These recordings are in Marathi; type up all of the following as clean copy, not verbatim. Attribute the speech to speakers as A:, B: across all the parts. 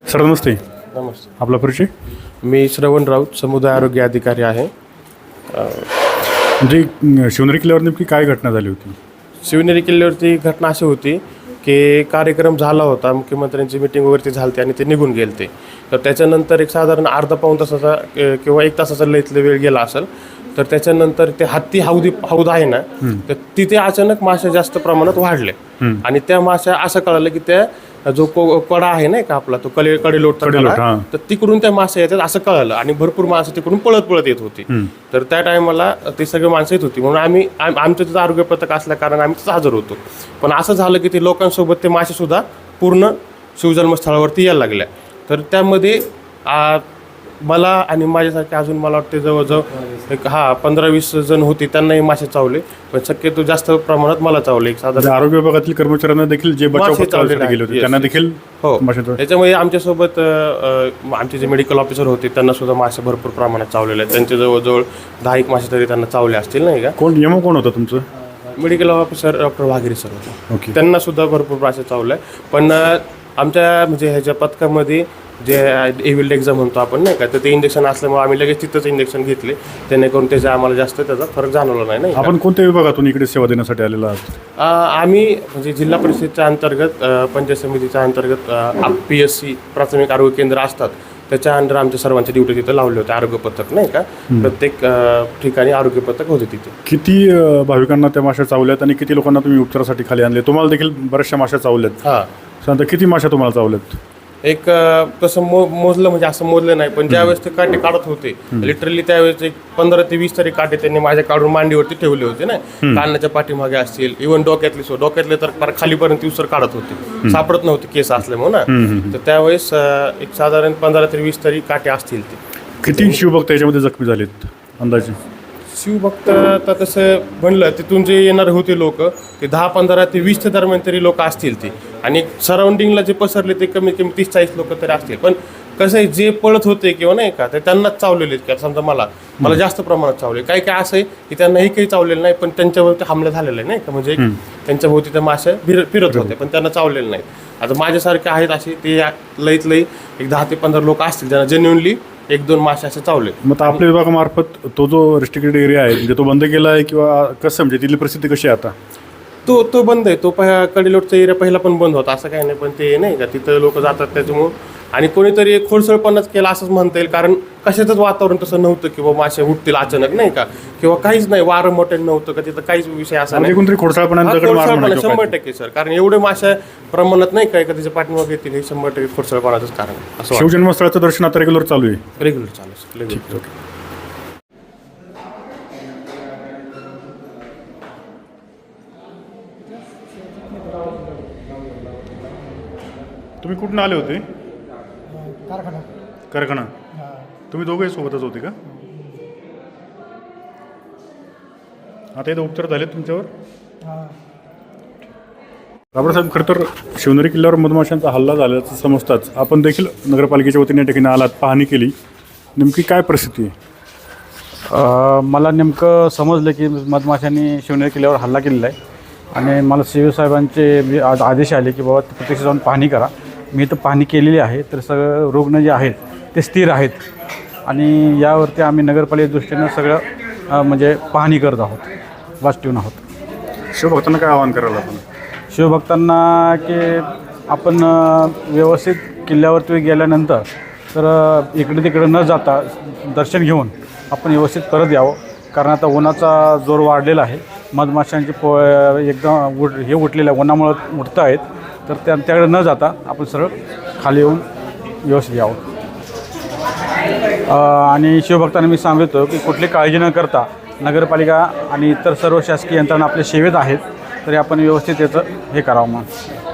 A: सर नमस्ते.
B: नमस्ते.
A: आपला परिचय?
B: मी श्रवण राऊत, समुदाय आरोग्य अधिकारी आहे.
A: म्हणजे शिवनेरी किल्ल्यावर नेमकी काय घटना झाली होती?
B: शिवनेरी किल्ल्यावरती घटना अशी होती की कार्यक्रम झाला होता, मुख्यमंत्र्यांची मीटिंग वगैरे झाली आणि ते निघून गेले ते. तर त्याच्यानंतर एक साधारण अर्धा पाऊण तासाचा किंवा 1 तासाचा लईतला वेळ गेला असेल. तर त्याच्यानंतर ते हत्ती हौद आहे ना, तर तिथे अचानक मासे जास्त प्रमाणात वाढले आणि त्या माश्या असं कळालं की त्या जो कडा आहे ना का आपला तो कडेलोट, तर तिकडून त्या मासे येतात असं कळालं आणि भरपूर मासे तिकडून पळत येत होती. तर त्या टायमाला ते सगळे माणसं येत होती म्हणून आमचं तिथं आरोग्य पथक असल्या कारण आम्ही तिथं हजर होतो. पण असं झालं की ते लोकांसोबत ते मासे सुद्धा पूर्ण शिवजन्मस्थळावरती यायला लागल्या. तर त्यामध्ये मला आणि माझ्यासारखे अजून मला वाटते जवळजवळ एक 15-20 जण होते, त्यांनाही मासे चावले. पण शक्यतो जास्त प्रमाणात मला चावले. एक साधारण
A: आरोग्य विभागातील कर्मचाऱ्यांना देखील जे बचाव गेले होते त्यांना देखील
B: हो. त्याच्यामुळे आमच्यासोबत आमचे जे मेडिकल ऑफिसर होते त्यांना सुद्धा मासे भरपूर प्रमाणात चावलेले आहेत. त्यांचे जवळजवळ 10 मासे तरी त्यांना चावले असतील नाही का.
A: कोण होतं तुमचं?
B: Medical officer doctor Waghere sir होते.
A: ओके.
B: त्यांना सुद्धा भरपूर मासे चावले. पण आमच्या म्हणजे ह्याच्या पथकामध्ये जे एव्हिल्ड एक्झाम म्हणतो आपण नाही का, तर ते इंजेक्शन असल्यामुळे आम्ही लगेच तिथंच इंजेक्शन घेतले, जेणेकरून त्याचा आम्हाला जास्त त्याचा फरक जाणवला नाही.
A: आपण कोणत्या विभागातून इकडे सेवा देण्यासाठी आलेला आहात?
B: आम्ही म्हणजे जिल्हा परिषदेच्या अंतर्गत पंचायत समितीच्या अंतर्गत PSC प्राथमिक आरोग्य केंद्र असतात, त्याच्या अंडर आमच्या सर्वांच्या ड्युटी तिथं लावले होते. आरोग्य पथक नाही का, प्रत्येक ठिकाणी आरोग्य पथक होते तिथे.
A: किती भाविकांना त्या माश्या चावल्यात आणि किती लोकांना तुम्ही उपचारासाठी खाली आणले? तुम्हाला देखील बऱ्याचशा माश्या चावल्यात. सांगता किती माश्या तुम्हाला चावल्यात?
B: एक तसं मोजलं म्हणजे असं मोजलं नाही, पण ज्यावेळेस ते काटे काढत होते लिटरली त्यावेळेस एक 15 ते 20 तरी काटे त्यांनी माझ्या काढून मांडीवरती ठेवले होते ना. कानाच्या पाठीमागे असतील, इव्हन डोक्यातले तर फार खालीपर्यंत उसर काढत होते, सापडत नव्हते केस असल्यामुळे ना. तर त्यावेळेस एक साधारण 15 ते 20 तरी काटे असतील. ते
A: किती शिवभक्त याच्यामध्ये जखमी झालेत अंदाजे?
B: शिवभक्त तर तसं म्हणलं तिथून जे येणारे होते लोक ते 10-15 ते 20 दरम्यान तरी लोक असतील ते, आणि सराउंडिंगला जे पसरले ते कमीत कमी 30-40 लोक तरी असतील. पण कसं आहे, जे पळत होते किंवा नाही का ते त्यांनाच चावलेले आहेत. का समजा मला जास्त प्रमाणात चावले. काही असं आहे की त्यांनाही काही चावलेलं नाही, पण त्यांच्यावरती हमला झालेला आहे नाही का, म्हणजे त्यांच्या भोवती त्या माश्या फिरत होते पण त्यांना चावलेलं नाही. आता माझ्यासारखे आहेत असे ते लईत लई एक 10 ते 15 लोक असतील ज्यांना जेन्युअनली 1-2 मासे असे चावले.
A: मग आपल्या विभागामार्फत तो जो रिस्ट्रिक्टेड एरिया आहे म्हणजे तो बंद केला आहे किंवा कसं, म्हणजे तिथली परिस्थिती कशी आहे आता?
B: तो बंद आहे. तो कडेलोटचा एरिया पहिला पण बंद होता, असं काही नाही. पण ते नाही का तिथं लोक जातात त्याच्यामुळं, आणि कोणीतरी एक खोडसळपणाच केला असंच म्हणता येईल. कारण कशाचंच वातावरण तसं नव्हतं किंवा मासे उठतील अचानक नाही का, किंवा काहीच नाही, वारं मोठं नव्हतं का तिथं, काहीच विषय असा नाही.
A: कोणतरी खोडसाळपणा
B: 100% सर. कारण एवढे मासे प्रमाणात नाही काय का त्याच्या पाठीमागे येतील, हे 100% खोडसळपणाचंच कारण असं.
A: शिवजन्मस्थळाचं दर्शन आता रेग्युलर चालू आहे?
B: रेग्युलर चालू.
A: तुम्ही कुठून आले होते? कारखाना. तुम्ही दोघे सोबतच होते का? आता इथं उपचार झाले तुमच्यावर? बाबासाहेब, खरं तर शिवनेरी किल्ल्यावर मधमाशांचा हल्ला झाल्याचं समजताच आपण देखील नगरपालिकेच्या वतीने या ठिकाणी आलात, पाहणी केली. नेमकी काय परिस्थिती आहे?
C: मला नेमकं समजलं की मधमाशांनी शिवनेरी किल्ल्यावर हल्ला केलेला आहे आणि मला CO साहेबांचे आदेश आले की बाबा प्रत्यक्ष जाऊन पाहणी करा. मी तर पाहणी केलेली आहे. तर सगळं रुग्ण जे आहेत ते स्थिर आहेत आणि यावरती आम्ही नगरपालिके दृष्टीनं सगळं म्हणजे पाहणी करत आहोत, वाच ठेवून आहोत.
A: शिवभक्तांना काय आवाहन करायला आपण?
C: शिवभक्तांना की आपण व्यवस्थित किल्ल्यावरती गेल्यानंतर तर इकडे तिकडे न जाता दर्शन घेऊन आपण व्यवस्थित परत यावं. कारण आता उन्हाचा जोर वाढलेला आहे, मधमाशांचे एकदम हे उठलेलं आहे, उन्हामुळं उठत आहेत. तर त्याकडे न जाता आपण सरळ खाली येऊन व्यवस्थित यावं. आणि शिवभक्तांना मी सांगतो की कुठली काळजी न करता नगरपालिका आणि इतर सर्व शासकीय यंत्रणा आपल्या सेवेत आहेत, तरी आपण व्यवस्थित याचं हे करावं. मग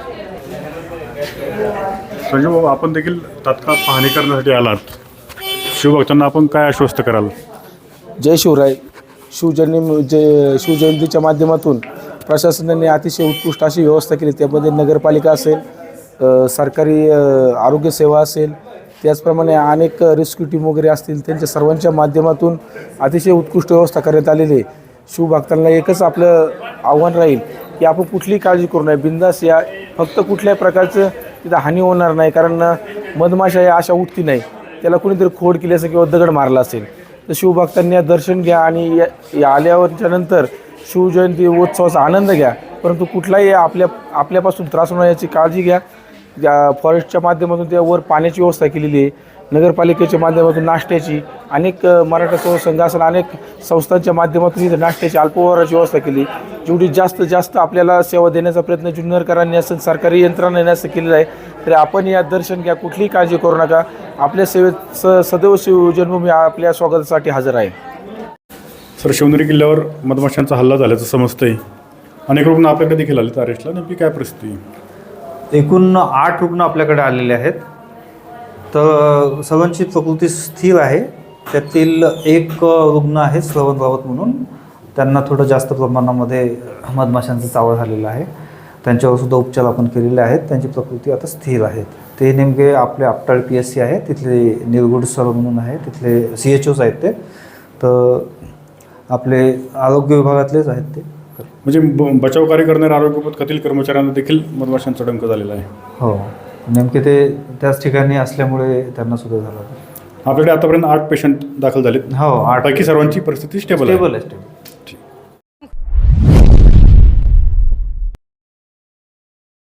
A: संजय बाबा, आपण देखील तात्काळ पाहणी करण्यासाठी आलात. शिवभक्तांना आपण काय आश्वस्त कराल?
D: जय शिवराय. शिवजयंतीच्या माध्यमातून प्रशासनाने अतिशय उत्कृष्ट अशी व्यवस्था केली. त्यामध्ये नगरपालिका असेल, सरकारी आरोग्यसेवा असेल, त्याचप्रमाणे अनेक रेस्क्यू टीम वगैरे असतील, त्यांच्या सर्वांच्या माध्यमातून अतिशय उत्कृष्ट व्यवस्था करण्यात आलेली आहे. शिवभक्तांना एकच आपलं आव्हान राहील की आपण कुठलीही काळजी करू नये, बिंदास या. फक्त कुठल्याही प्रकारचं तिथं हानी होणार नाही, कारण मधमाशा या अशा उठती नाही, त्याला कुणीतरी खोड केली असेल किंवा दगड मारला असेल. तर शिवभक्तांनी दर्शन घ्या आणि या आल्यावरच्या नंतर शिवजयंती उत्सवाचा आनंद घ्या, परंतु कुठलाही आपल्यापासून त्रास होणार याची काळजी घ्या. फॉरेस्टच्या माध्यमातून त्यावर पाण्याची व्यवस्था केलेली आहे, नगरपालिकेच्या माध्यमातून नाश्त्याची, अनेक मराठा सेवा संघ असेल अनेक संस्थांच्या माध्यमातून इथं नाश्त्याची अल्पहाराची व्यवस्था केली. जेवढी जास्तीत जास्त आपल्याला सेवा देण्याचा प्रयत्न जुन्नरकरांनी असेल सरकारी यंत्रणांनी असं केलेला आहे. तरी आपण या दर्शन घ्या, कुठलीही काळजी करू नका. आपल्या सेवेत सदैव शिवजन्मभूमी आपल्या स्वागतासाठी हजर आहे.
A: सर, शिवनेरी किल्ल्यावर मधमाशांचा हल्ला झाल्याचं समजतंय. अनेक रुग्ण आपल्याकडे देखील आले अरेस्टला. नेमकी काय परिस्थिती आहे?
E: एकूण 8 रुग्ण आपल्याकडे आलेले आहेत. तर सर्वांची प्रकृती स्थिर आहे. त्यातील एक रुग्ण आहे श्रवण रावत म्हणून, त्यांना थोडं जास्त प्रमाणामध्ये मधमाशांचा चावळ झालेला आहे. त्यांच्यावर सुद्धा उपचार आपण केलेले आहेत. त्यांची प्रकृती आता स्थिर आहेत. ते नेमके आपले आपटाळ PSC आहे, तिथले निरगुड सर म्हणून आहे, तिथले CHOs आहेत ते. तर आपले आरोग्य विभागातलेच आहेत ते.
A: म्हणजे बचाव कार्य करणाऱ्या आरोग्य खात्यातील कर्मचाऱ्यांना देखील मधमाशांचा डंक झालेला आहे.
E: हो, नेमके ते त्याच ठिकाणी असल्यामुळे त्यांना सुद्धा झालं.
A: आपल्याकडे आतापर्यंत 8 पेशंट दाखल झालेत.
E: हो, 8
A: पैकी सर्वांची परिस्थिती स्टेबल आहे.
E: स्टेबल आहे.